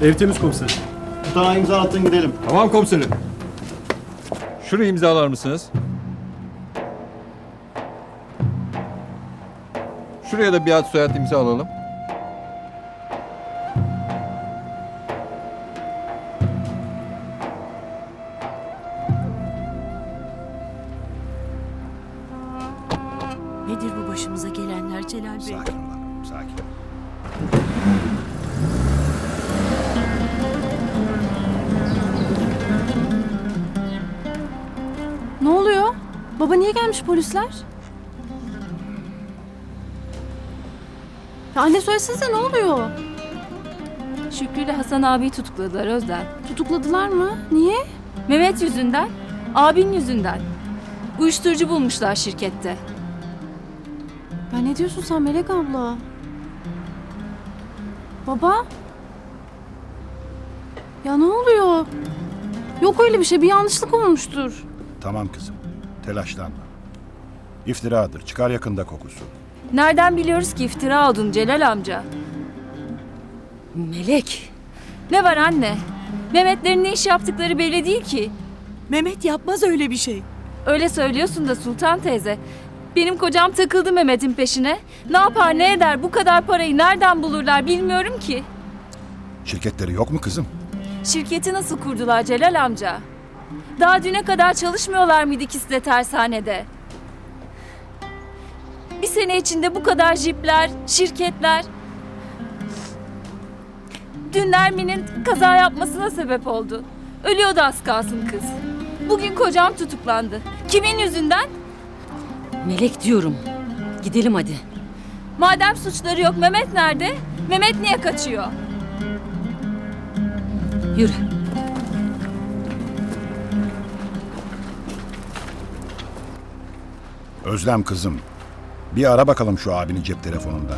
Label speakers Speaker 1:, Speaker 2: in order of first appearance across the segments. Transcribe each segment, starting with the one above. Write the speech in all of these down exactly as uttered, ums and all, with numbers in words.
Speaker 1: Ev temiz komiserim.
Speaker 2: Tutanağı imza attın gidelim.
Speaker 3: Tamam komiserim. Şurayı imzalar mısınız? Şuraya da bir ad soyad imza alalım.
Speaker 4: Nedir bu başımıza gelenler Celal Bey?
Speaker 5: Sakin ol hanım, sakin ol.
Speaker 6: Ne oluyor? Baba niye gelmiş polisler? Ya anne söylesenize ne oluyor?
Speaker 7: Şükrü ile Hasan abiyi tutukladılar Özlem.
Speaker 6: Tutukladılar mı? Niye?
Speaker 7: Mehmet yüzünden, abin yüzünden. Uyuşturucu bulmuşlar şirkette.
Speaker 6: Ya ne diyorsun sen Melek abla? Baba? Ya ne oluyor? Yok öyle bir şey, bir yanlışlık olmuştur.
Speaker 5: Tamam kızım, telaşlanma. İftiradır, çıkar yakında kokusu.
Speaker 7: Nereden biliyoruz ki iftira olduğunu Celal amca?
Speaker 4: Melek,
Speaker 7: Ne var anne? Mehmetlerin ne iş yaptıkları belli değil ki.
Speaker 4: Mehmet yapmaz öyle bir şey.
Speaker 7: Öyle söylüyorsun da Sultan teyze. Benim kocam takıldı Mehmet'in peşine. Ne yapar ne eder bu kadar parayı nereden bulurlar bilmiyorum ki.
Speaker 5: Şirketleri yok mu kızım?
Speaker 7: Şirketi nasıl kurdular Celal amca? Daha düne kadar çalışmıyorlar mıydı ikisi de tersanede? Bir sene içinde bu kadar jipler, şirketler... Dün Nermin'in kaza yapmasına sebep oldu. Ölüyordu az kalsın kız. Bugün kocam tutuklandı. Kimin yüzünden?
Speaker 4: Melek diyorum. Gidelim hadi.
Speaker 7: Madem suçları yok Mehmet nerede? Mehmet niye kaçıyor?
Speaker 4: Yürü.
Speaker 5: Özlem kızım, bir ara bakalım şu abinin cep telefonundan.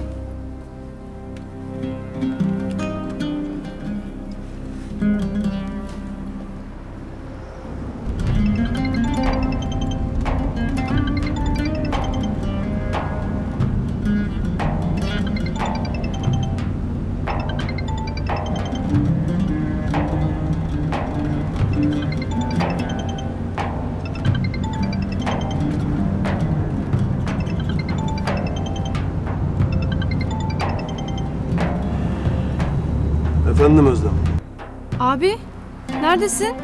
Speaker 1: Efendim Özlem.
Speaker 6: Abi, neredesin?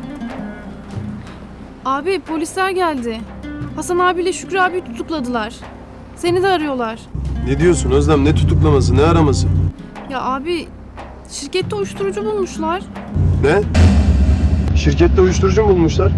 Speaker 6: Abi polisler geldi. Hasan abiyle Şükrü abi tutukladılar. Seni de arıyorlar.
Speaker 1: Ne diyorsun Özlem? Ne tutuklaması, ne araması?
Speaker 6: Ya abi, şirkette uyuşturucu bulmuşlar.
Speaker 1: Ne? Şirkette uyuşturucu mu bulmuşlar?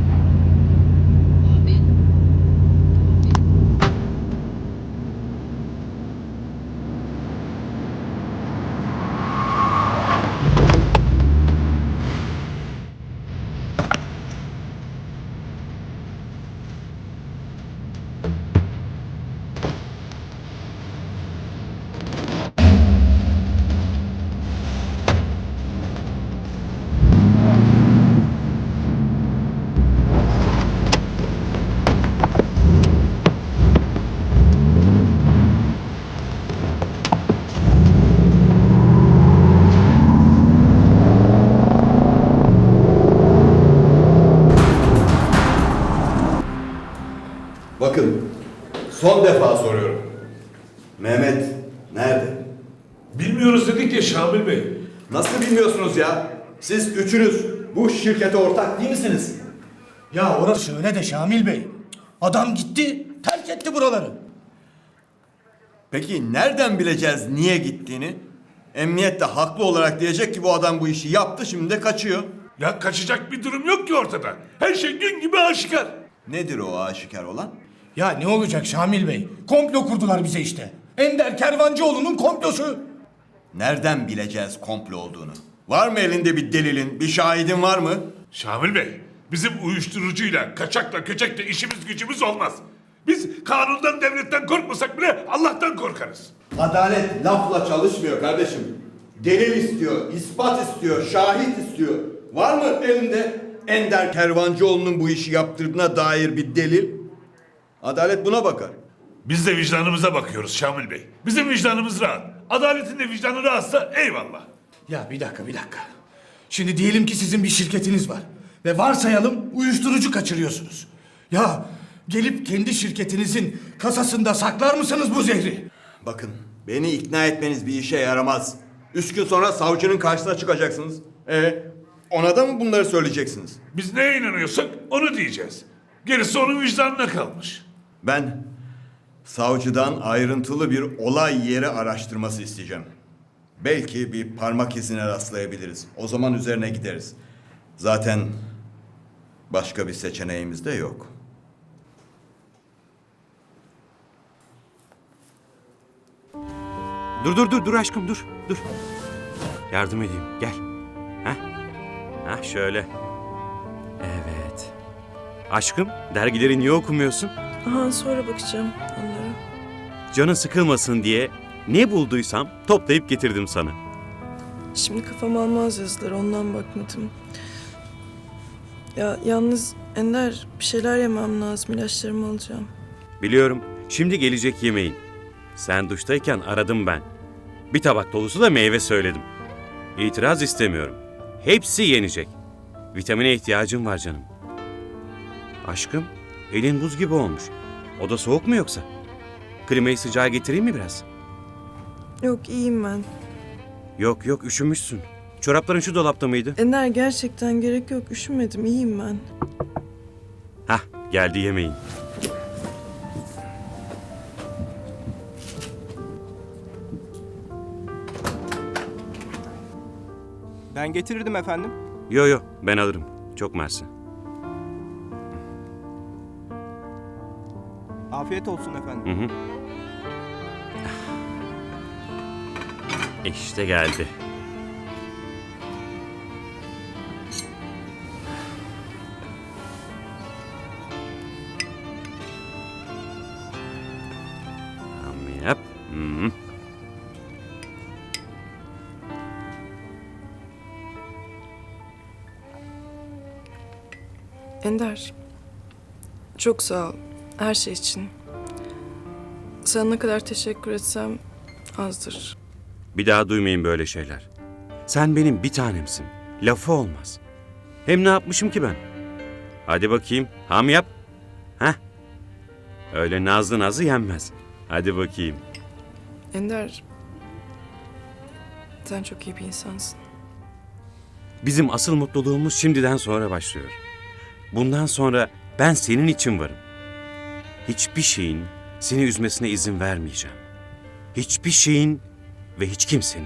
Speaker 8: Bakın, son defa soruyorum. Mehmet nerede?
Speaker 9: Bilmiyoruz dedik ya Şamil Bey.
Speaker 8: Nasıl bilmiyorsunuz ya? Siz üçünüz bu şirkete ortak değil misiniz?
Speaker 10: Ya orası öyle de Şamil Bey. Adam gitti, terk etti buraları.
Speaker 8: Peki nereden bileceğiz niye gittiğini? Emniyet de haklı olarak diyecek ki bu adam bu işi yaptı, şimdi de kaçıyor.
Speaker 9: Ya kaçacak bir durum yok ki ortada. Her şey gün gibi aşikar.
Speaker 8: Nedir o aşikar olan?
Speaker 10: Ya ne olacak Şamil Bey? Komplo kurdular bize işte. Ender Kervancıoğlu'nun komplosu.
Speaker 8: Nereden bileceğiz komplo olduğunu? Var mı elinde bir delilin, bir şahidin var mı?
Speaker 9: Şamil Bey, bizim uyuşturucuyla, kaçakla, köçekle işimiz gücümüz olmaz. Biz kanundan, devletten korkmasak bile Allah'tan korkarız.
Speaker 8: Adalet lafla çalışmıyor kardeşim. Delil istiyor, ispat istiyor, şahit istiyor. Var mı elinde Ender Kervancıoğlu'nun bu işi yaptırdığına dair bir delil? Adalet buna bakar.
Speaker 9: Biz de vicdanımıza bakıyoruz Şamil Bey. Bizim vicdanımız rahat. Adaletin de vicdanı rahatsa eyvallah.
Speaker 10: Ya bir dakika bir dakika. Şimdi diyelim ki sizin bir şirketiniz var. Ve varsayalım uyuşturucu kaçırıyorsunuz. Ya gelip kendi şirketinizin kasasında saklar mısınız bu zehri?
Speaker 8: Bakın, beni ikna etmeniz bir işe yaramaz. Üç gün sonra savcının karşısına çıkacaksınız. E, ona da mı bunları söyleyeceksiniz?
Speaker 9: Biz neye inanıyorsak onu diyeceğiz. Gerisi onun vicdanına kalmış.
Speaker 8: Ben savcıdan ayrıntılı bir olay yeri araştırması isteyeceğim. Belki bir parmak izine rastlayabiliriz. O zaman üzerine gideriz. Zaten başka bir seçeneğimiz de yok.
Speaker 11: Dur dur dur dur aşkım dur dur. Yardım edeyim gel. Heh. Heh şöyle. Evet. Aşkım dergileri niye okumuyorsun?
Speaker 12: Aha, sonra bakacağım onlara.
Speaker 11: Canın sıkılmasın diye ne bulduysam toplayıp getirdim sana.
Speaker 12: Şimdi kafam almaz yazıları, ondan bakmadım. Ya yalnız Ender, bir şeyler yemem lazım, ilaçlarımı alacağım.
Speaker 11: Biliyorum şimdi gelecek yemeğin. Sen duştayken aradım ben. Bir tabak dolusu da meyve söyledim. İtiraz istemiyorum. Hepsi yenecek. Vitamine ihtiyacım var canım. Aşkım, elin buz gibi olmuş. Oda soğuk mu yoksa? Klimayı sıcağa getireyim mi biraz?
Speaker 12: Yok, iyiyim ben.
Speaker 11: Yok yok üşümüşsün. Çorapların şu dolapta mıydı?
Speaker 12: Ender, gerçekten gerek yok, üşümedim, iyiyim ben.
Speaker 11: Hah geldi yemeğin.
Speaker 1: Ben getirirdim efendim.
Speaker 11: Yo yo ben alırım. Çok mersi.
Speaker 1: Afiyet olsun efendim.
Speaker 11: Hı hı. İşte geldi. Tamam yap. Hı hı.
Speaker 12: Ender, çok sağ ol her şey için. Sana ne kadar teşekkür etsem azdır.
Speaker 11: Bir daha duymayın böyle şeyler. Sen benim bir tanemsin. Lafı olmaz. Hem ne yapmışım ki ben? Hadi bakayım. Ham yap. Heh. Öyle nazlı nazlı yenmez. Hadi bakayım.
Speaker 12: Ender, sen çok iyi bir insansın.
Speaker 11: Bizim asıl mutluluğumuz şimdiden sonra başlıyor. Bundan sonra ben senin için varım. Hiçbir şeyin seni üzmesine izin vermeyeceğim. Hiçbir şeyin ve hiç kimsenin.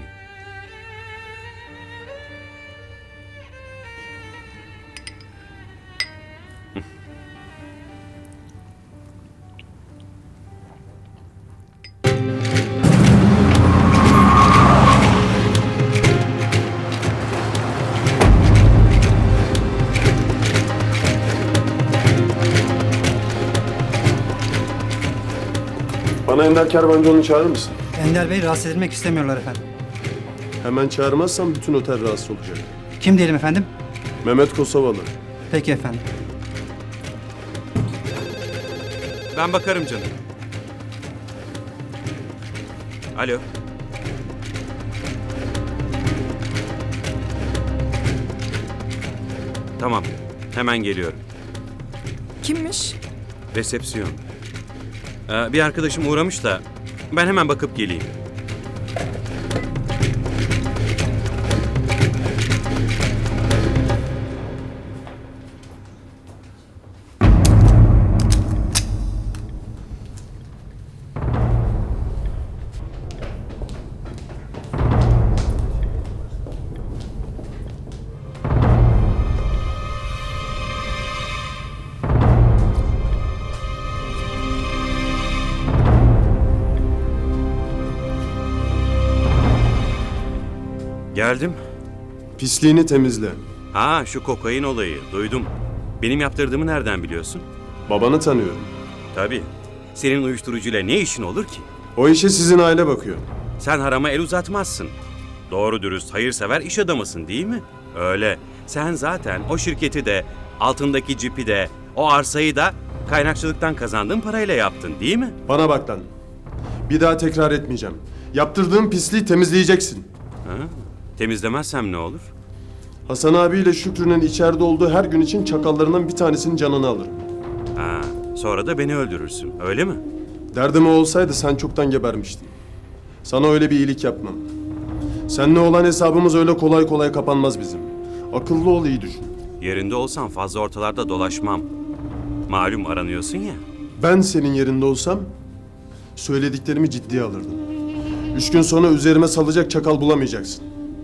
Speaker 1: Bana Ender Kervancıoğlu'nu çağırır mısın?
Speaker 13: Ender Bey rahatsız edilmek istemiyorlar efendim.
Speaker 1: Hemen çağırmazsam bütün otel rahatsız olacak.
Speaker 13: Kim diyelim efendim?
Speaker 1: Mehmet Kosovalı.
Speaker 13: Peki efendim.
Speaker 11: Ben bakarım canım. Alo. Tamam. Hemen geliyorum.
Speaker 12: Kimmiş?
Speaker 11: Resepsiyon. Ee, bir arkadaşım uğramış da ben hemen bakıp geleyim. Geldim.
Speaker 1: Pisliğini temizle.
Speaker 11: Ha şu kokain olayı duydum. Benim yaptırdığımı nereden biliyorsun?
Speaker 1: Babanı tanıyorum.
Speaker 11: Tabii. Senin uyuşturucuyla ne işin olur ki?
Speaker 1: O işe sizin aile bakıyor.
Speaker 11: Sen harama el uzatmazsın. Doğru dürüst hayırsever iş adamısın değil mi? Öyle. Sen zaten o şirketi de, altındaki cipi de, o arsayı da kaynakçılıktan kazandığın parayla yaptın değil mi?
Speaker 1: Bana bak lan. Bir daha tekrar etmeyeceğim. Yaptırdığım pisliği temizleyeceksin.
Speaker 11: Ha? Temizlemezsem ne olur?
Speaker 1: Hasan abiyle Şükrü'nün içeride olduğu her gün için çakallarından bir tanesinin canını alırım.
Speaker 11: Ha, sonra da beni öldürürsün, öyle mi?
Speaker 1: Derdim o olsaydı sen çoktan gebermiştin. Sana öyle bir iyilik yapmam. Seninle olan hesabımız öyle kolay kolay kapanmaz bizim. Akıllı ol, iyi düşün.
Speaker 11: Yerinde olsam fazla ortalarda dolaşmam. Malum aranıyorsun ya.
Speaker 1: Ben senin yerinde olsam söylediklerimi ciddiye alırdım. Üç gün sonra üzerime salacak çakal bulamayacaksın.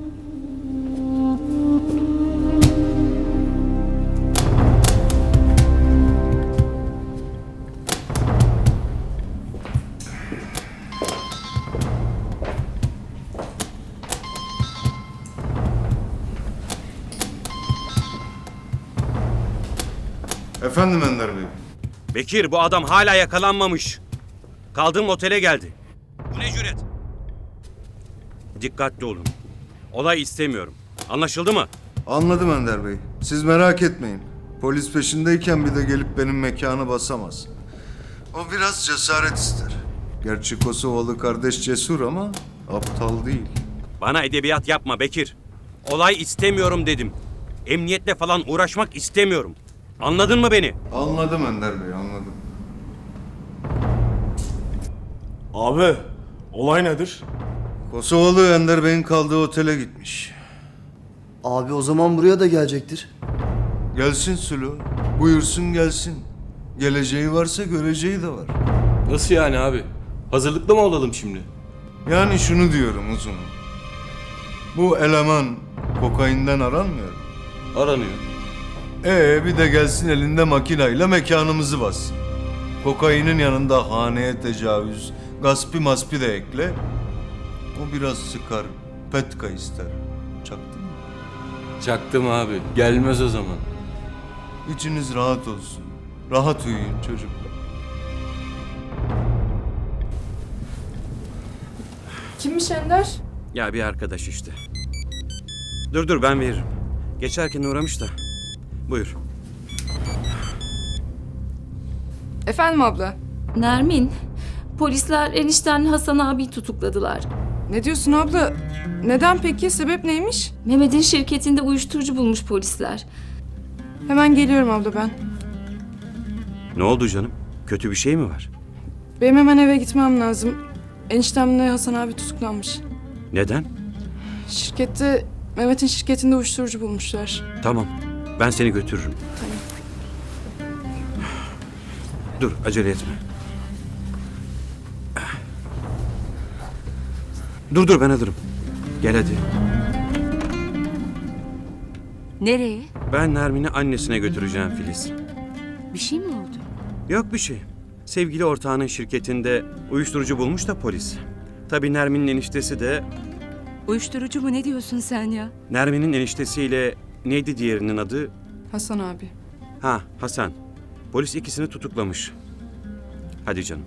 Speaker 5: Efendim Ender Bey.
Speaker 11: Bekir, bu adam hala yakalanmamış. Kaldığım otele geldi. Bu ne cüret? Dikkatli olun. Olay istemiyorum. Anlaşıldı mı?
Speaker 5: Anladım Ender Bey. Siz merak etmeyin. Polis peşindeyken bir de gelip benim mekanı basamaz. O biraz cesaret ister. Gerçi Kosovalı kardeş cesur ama aptal değil.
Speaker 11: Bana edebiyat yapma Bekir. Olay istemiyorum dedim. Emniyetle falan uğraşmak istemiyorum. Anladın mı beni?
Speaker 5: Anladım Ender Bey, anladım.
Speaker 1: Abi, olay nedir?
Speaker 5: Kosovalı Ender Bey'in kaldığı otele gitmiş.
Speaker 13: Abi o zaman buraya da gelecektir.
Speaker 5: Gelsin Sülo. Buyursun gelsin. Geleceği varsa göreceği de var.
Speaker 1: Nasıl yani abi? Hazırlıklı mı olalım şimdi?
Speaker 5: Yani şunu diyorum uzun. Bu eleman kokainden aranmıyor mu?
Speaker 1: Aranıyor.
Speaker 5: Ee bir de gelsin elinde makinayla mekanımızı bassın. Kokainin yanında haneye tecavüz, gaspi maspi de ekle. O biraz sıkar, petka ister. Çaktın mı?
Speaker 1: Çaktım abi. Gelmez o zaman.
Speaker 5: İçiniz rahat olsun. Rahat uyuyun çocuklar.
Speaker 12: Kimmiş Ender?
Speaker 11: Ya bir arkadaş işte. Dur dur ben veririm. Geçerken uğramış da. Buyur.
Speaker 12: Efendim abla.
Speaker 7: Nermin, polisler enişten Hasan abiyi tutukladılar.
Speaker 12: Ne diyorsun abla? Neden peki? Sebep neymiş?
Speaker 7: Mehmet'in şirketinde uyuşturucu bulmuş polisler.
Speaker 12: Hemen geliyorum abla ben.
Speaker 11: Ne oldu canım? Kötü bir şey mi var?
Speaker 12: Benim hemen eve gitmem lazım. Eniştemle Hasan abi tutuklanmış.
Speaker 11: Neden?
Speaker 12: Şirkette, Mehmet'in şirketinde uyuşturucu bulmuşlar.
Speaker 11: Tamam. Ben seni götürürüm.
Speaker 12: Tamam.
Speaker 11: Dur acele etme. Dur dur ben alırım. Gel hadi.
Speaker 4: Nereye?
Speaker 11: Ben Nermin'i annesine götüreceğim Filiz.
Speaker 4: Bir şey mi oldu?
Speaker 11: Yok bir şey. Sevgili ortağının şirketinde uyuşturucu bulmuş da polis. Tabii Nermin'in eniştesi de...
Speaker 4: Uyuşturucu mu, ne diyorsun sen ya?
Speaker 11: Nermin'in eniştesiyle neydi diğerinin adı?
Speaker 12: Hasan abi.
Speaker 11: Ha Hasan. Polis ikisini tutuklamış. Hadi canım.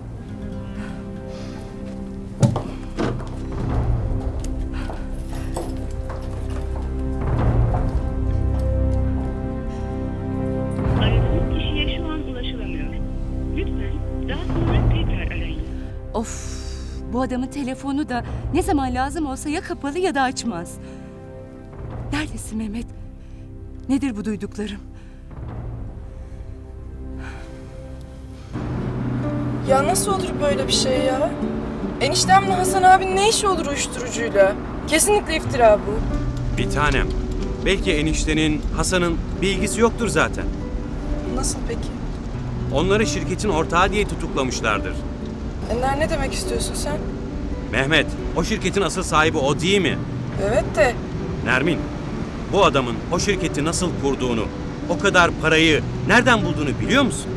Speaker 14: Aradığınız kişiye şu an ulaşılamıyor. Lütfen daha sonra tekrar arayın.
Speaker 4: Of, bu adamın telefonu da ne zaman lazım olsa ya kapalı ya da açmaz. Neredesin Mehmet? Nedir bu duyduklarım?
Speaker 12: Ya nasıl olur böyle bir şey ya? Eniştemle Hasan abinin ne işi olur uyuşturucuyla? Kesinlikle iftira bu.
Speaker 11: Bir tanem. Belki eniştenin, Hasan'ın bir ilgisi yoktur zaten.
Speaker 12: Nasıl peki?
Speaker 11: Onları şirketin ortağı diye tutuklamışlardır.
Speaker 12: Ender ne demek istiyorsun sen?
Speaker 11: Mehmet, o şirketin asıl sahibi o değil mi?
Speaker 12: Evet de
Speaker 11: Nermin, bu adamın o şirketi nasıl kurduğunu, o kadar parayı nereden bulduğunu biliyor musun?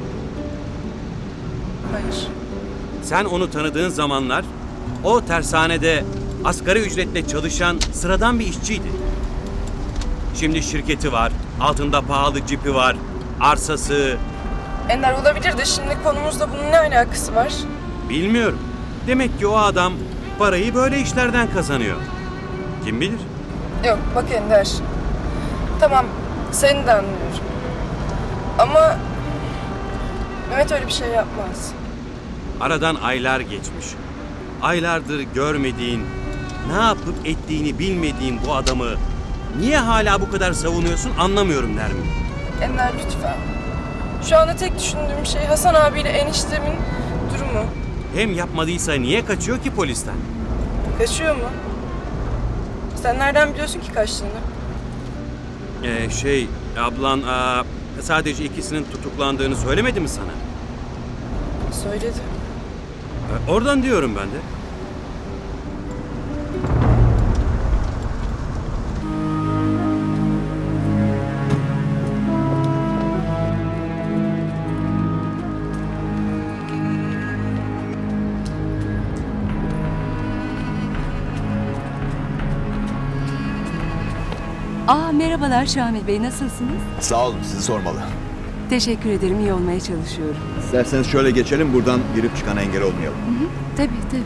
Speaker 12: hayır.
Speaker 11: Sen onu tanıdığın zamanlar o tersanede asgari ücretle çalışan sıradan bir işçiydi. Şimdi şirketi var, altında pahalı cipi var, arsası...
Speaker 12: Ender olabilir de şimdi konumuzla bunun ne alakası var?
Speaker 11: Bilmiyorum. Demek ki o adam parayı böyle işlerden kazanıyor. Kim bilir?
Speaker 12: Yok bak Ender. Tamam seni de anlıyorum. Ama Mehmet öyle bir şey yapmaz.
Speaker 11: Aradan aylar geçmiş. Aylardır görmediğin, ne yapıp ettiğini bilmediğin bu adamı Niye hala bu kadar savunuyorsun anlamıyorum Nermin.
Speaker 12: Ender lütfen. Şu anda tek düşündüğüm şey Hasan abiyle eniştemin durumu.
Speaker 11: Hem yapmadıysa niye kaçıyor ki polisten?
Speaker 12: Kaçıyor mu? Sen nereden biliyorsun ki kaçtığını?
Speaker 11: Ee, şey, ablan aa, sadece ikisinin tutuklandığını söylemedi mi sana?
Speaker 12: Söyledi.
Speaker 11: Ee, oradan diyorum ben de.
Speaker 4: Aa merhabalar Şamil Bey, nasılsınız?
Speaker 8: Sağ olun, sizi sormalı.
Speaker 4: Teşekkür ederim, iyi olmaya çalışıyorum.
Speaker 8: İsterseniz şöyle geçelim, buradan girip çıkan engel olmayalım.
Speaker 4: Hı hı, tabii tabii.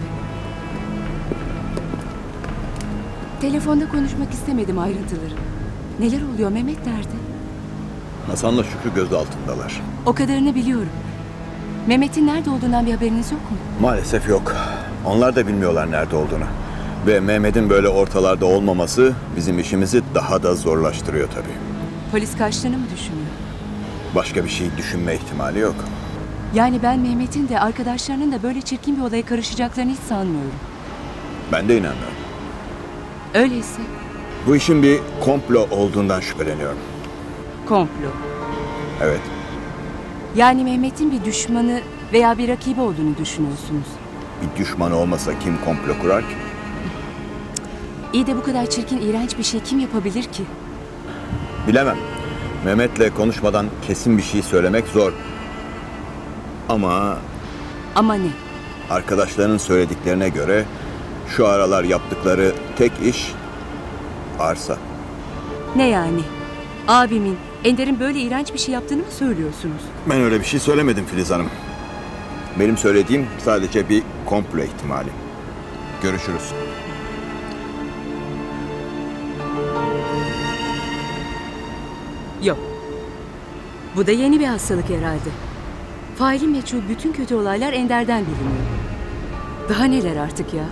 Speaker 4: Telefonda konuşmak istemedim ayrıntıları. Neler oluyor, Mehmet nerede?
Speaker 8: Hasan'la Şükrü gözaltındalar.
Speaker 4: O kadarını biliyorum. Mehmet'in nerede olduğundan bir haberiniz yok mu?
Speaker 8: Maalesef yok. Onlar da bilmiyorlar nerede olduğunu. Ve Mehmet'in böyle ortalarda olmaması bizim işimizi daha da zorlaştırıyor tabii.
Speaker 4: Polis kaçtığını mı düşünüyor?
Speaker 8: Başka bir şey düşünme ihtimali yok.
Speaker 4: Yani ben Mehmet'in de arkadaşlarının da böyle çirkin bir olaya karışacaklarını hiç sanmıyorum.
Speaker 8: Ben de inanmıyorum.
Speaker 4: Öyleyse
Speaker 8: Bu işin bir komplo olduğundan şüpheleniyorum.
Speaker 4: komplo.
Speaker 8: Evet.
Speaker 4: Yani Mehmet'in bir düşmanı veya bir rakibi olduğunu düşünüyorsunuz.
Speaker 8: Bir düşmanı olmasa kim komplo kurar ki?
Speaker 4: İyi de bu kadar çirkin, iğrenç bir şey kim yapabilir ki?
Speaker 8: Bilemem. Mehmet'le konuşmadan kesin bir şey söylemek zor. Ama
Speaker 4: Ama ne?
Speaker 8: arkadaşlarının söylediklerine göre şu aralar yaptıkları tek iş arsa.
Speaker 4: Ne yani? Abimin, Ender'in böyle iğrenç bir şey yaptığını mı söylüyorsunuz?
Speaker 8: Ben öyle bir şey söylemedim Filiz Hanım. Benim söylediğim sadece bir komplo ihtimali. Görüşürüz.
Speaker 4: Yok. Bu da yeni bir hastalık herhalde. Faili meçhul bütün kötü olaylar Ender'den biliniyor. Daha neler artık ya?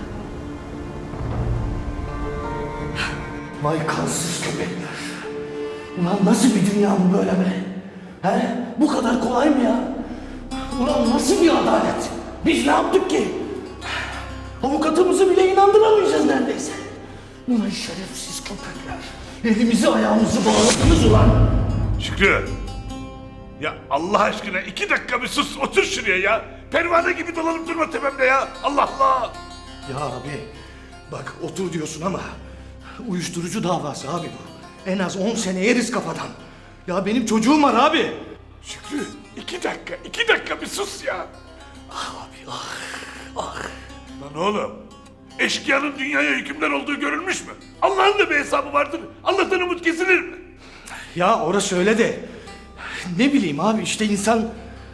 Speaker 10: Vay kansız köpekler. Ulan nasıl bir dünya bu böyle be? He? Bu kadar kolay mı ya? Ulan nasıl bir adalet? Biz ne yaptık ki? Avukatımızı bile inandıramayacağız neredeyse. Ulan şerefsiz köpekler. Elimizi ayağımızı bağladınız ulan.
Speaker 9: Şükrü. Ya Allah aşkına iki dakika bir sus, otur şuraya ya. Pervane gibi dolanıp durma tepemde ya. Allah Allah.
Speaker 10: Ya abi bak otur diyorsun ama uyuşturucu davası abi bu. En az on sene yeriz kafadan. Ya benim çocuğum var abi.
Speaker 9: Şükrü iki dakika, iki dakika bir sus ya.
Speaker 10: Ah abi ah ah.
Speaker 9: Lan oğlum, eşkıyanın dünyaya hükümdar olduğu görülmüş mü? Allah'ın da bir hesabı vardır. Allah'tan umut kesilir mi?
Speaker 10: Ya orası öyle de ne bileyim abi işte insan...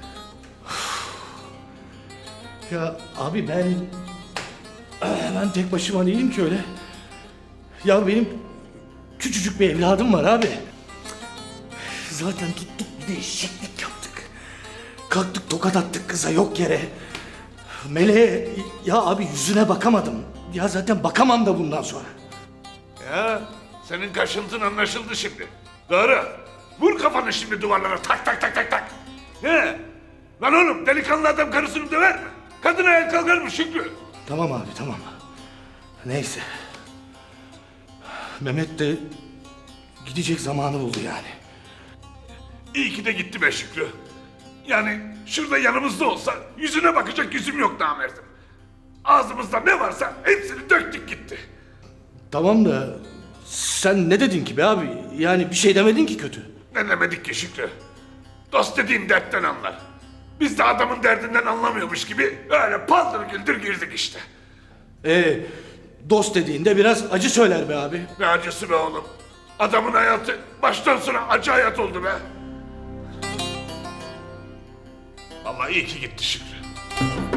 Speaker 10: Ya abi ben... Ben tek başıma değilim ki öyle. Ya benim küçücük bir evladım var abi. Zaten tuttuk bir de eşeklik yaptık. Kalktık tokat attık kıza yok yere. Meleğe ya abi yüzüne bakamadım. Ya zaten bakamam da bundan sonra.
Speaker 9: Ya senin kaşıntın anlaşıldı şimdi. Doğru. Vur kafanı şimdi duvarlara tak tak tak tak tak. Ne? Lan oğlum delikanlı adam karısını döver mi? Kadın ayağa kalkar mı Şükrü?
Speaker 10: Tamam abi tamam. Neyse. Mehmet de gidecek zamanı buldu yani.
Speaker 9: İyi ki de gitti be Şükrü. Yani şurada yanımızda olsa yüzüne bakacak yüzüm yok namerdim. Ağzımızda ne varsa hepsini döktük gitti.
Speaker 10: Tamam da sen ne dedin ki be abi? Yani bir şey demedin ki kötü.
Speaker 9: Ne demedik ki Şükrü? Dost dediğin dertten anlar. Biz de adamın derdinden anlamıyormuş gibi öyle paldır güldür girdik işte.
Speaker 10: Ee, dost dediğinde biraz acı söyler be abi.
Speaker 9: Ne acısı be oğlum. Adamın hayatı baştan sona acı hayat oldu be. Vallahi iyi ki gitti Şükrü.